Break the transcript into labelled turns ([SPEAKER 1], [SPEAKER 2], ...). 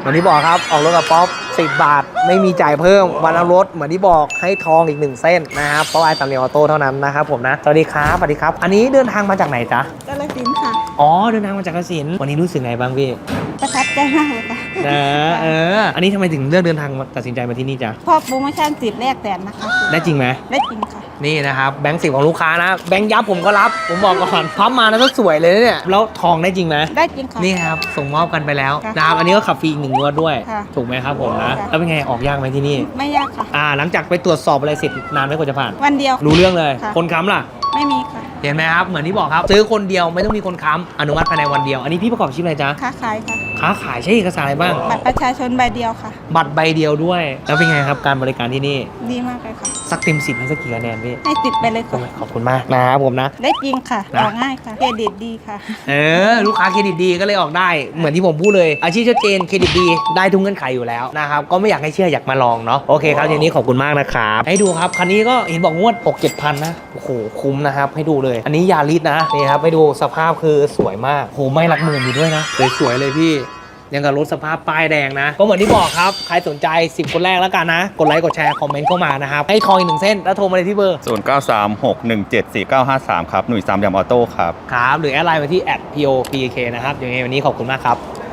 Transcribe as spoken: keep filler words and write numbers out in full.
[SPEAKER 1] เหมือนที่บอกครับออกรถกับป๊อปสิบบาทไม่มีจ่ายเพิ่มวันเอารถเหมือนที่บอกให้ทองอีกหนึ่งเส้นนะครับเพราะไอ้ตำเนียออโต้เท่านั้นนะครับผมนะสวัสดีครับสวัสดีครับอันนี้เดินทางมาจากไหนจ๊ะ
[SPEAKER 2] กาฬสินธุ์ค่ะ
[SPEAKER 1] อ๋อเดินทางมาจากกาฬสินธุ์วันนี้รู้สึกไงบ้างพี่
[SPEAKER 2] ประทับใจมากเลยค่ะ
[SPEAKER 1] นะเอออันนี้ทำไมถึงเลือกเดินทางมาตัดสินใจมาที่นี่จ๊ะ
[SPEAKER 2] เพราะโปรโมชั่นสิทธิ์แรกแสนนะคะ
[SPEAKER 1] ได้จริงไหม
[SPEAKER 2] ได้จริงค่ะ
[SPEAKER 1] นี่นะครับแบงค์สิบของลูกค้านะแบงค์ยับผมก็รับผมบอกก่อนพับมาแล้วก็สวยเลยนะเนี่ยแล้วทองได้จริงไหม
[SPEAKER 2] ได้จริงค่ะ
[SPEAKER 1] นี่ครับส่งมอบกันไปแล้ว
[SPEAKER 2] ค่ะ
[SPEAKER 1] นะครับอันนี้ก็ขับฟรีอีกหนึ่งงวดด้วย
[SPEAKER 2] ค่ะ
[SPEAKER 1] ถูกไหมครับผมนะ
[SPEAKER 2] ค่ะ
[SPEAKER 1] แล้วเป็นไงออกยากไหมที่นี่
[SPEAKER 2] ไม่ยากค่ะ
[SPEAKER 1] อ่าหลังจากไปตรวจสอบอะไรเสร็จนานไหมกว่าจะผ่าน
[SPEAKER 2] วันเดียว
[SPEAKER 1] รู้เรื่องเลย
[SPEAKER 2] ค่ะ
[SPEAKER 1] คนค้ำล่ะ
[SPEAKER 2] ไม่มีค่ะ
[SPEAKER 1] เห็นไหมครับเหมือนที่บอกครับซื้อคนเดียวไม่ต้องมีคนค้ำอนุมัติภายในวันเดียวอันนี้พี่ประกอบอาชีพอะไรจ๊ะ
[SPEAKER 2] ค้าขายค่ะ
[SPEAKER 1] ค้าขายใช้เอกสารอะไรบ้าง
[SPEAKER 2] บัตรประชาชนใบเดียวค่ะ
[SPEAKER 1] บัตรใบเดียวด้วย แล้วเป็นไงครับการบริการที่นี่
[SPEAKER 2] ดีมากเลยค่ะ
[SPEAKER 1] สักเต็มสิบให้สักกี่คะแนนพี่
[SPEAKER 2] ให้ติดไปเลยค่ะ
[SPEAKER 1] ขอบคุณมากนะครับผมนะ
[SPEAKER 2] ได้จริงค่ะ
[SPEAKER 1] นะ
[SPEAKER 2] ออกง่ายค่ะ เครดิตดีค่ะ
[SPEAKER 1] เออลูกค้าเครดิตดีก็เลยออกได้เหมือนที่ผมพูดเลยอาชีพชัดเจนเครดิตดีได้ทุกเงื่อนไขอยู่แล้วนะครับก็ไม่อยากให้เชื่ออยากมาลองเนาะโอเคครับทีนี้ขอบคุณมากนะครับให้ดูครับคันนี้ก็เห็นบอกงวดหกเจ็ดพันนะโอ้โหคุ้มนะครับให้ดูเลยอันนี้ยาริสนะนี่ครับให้ดูสภาพคือสวยมากโหไม่หลักหมื่นอยู่ด้วยนะสวยๆเลยพี่ยังกับรถสภาพป้ายแดงนะก็เหมือนที่บอกครับใครสนใจสิบคนแรกแล้วกันนะกดไลค์กดแชร์คอมเมนต์เข้ามานะครับให้ทองอีกหนึ่งเส้นแล้วโทรมาเลยที่เบอร์
[SPEAKER 3] ศูนย์เก้าสามหกหนึ่งเจ็ดสี่เก้าห้าสามครับหนุ่ยสามยำออโต้ครับ
[SPEAKER 1] ครับหรือแอดไลน์มาที่ แอท พี โอ พี เค นะครับยังไงวันนี้ขอบคุณมากครับ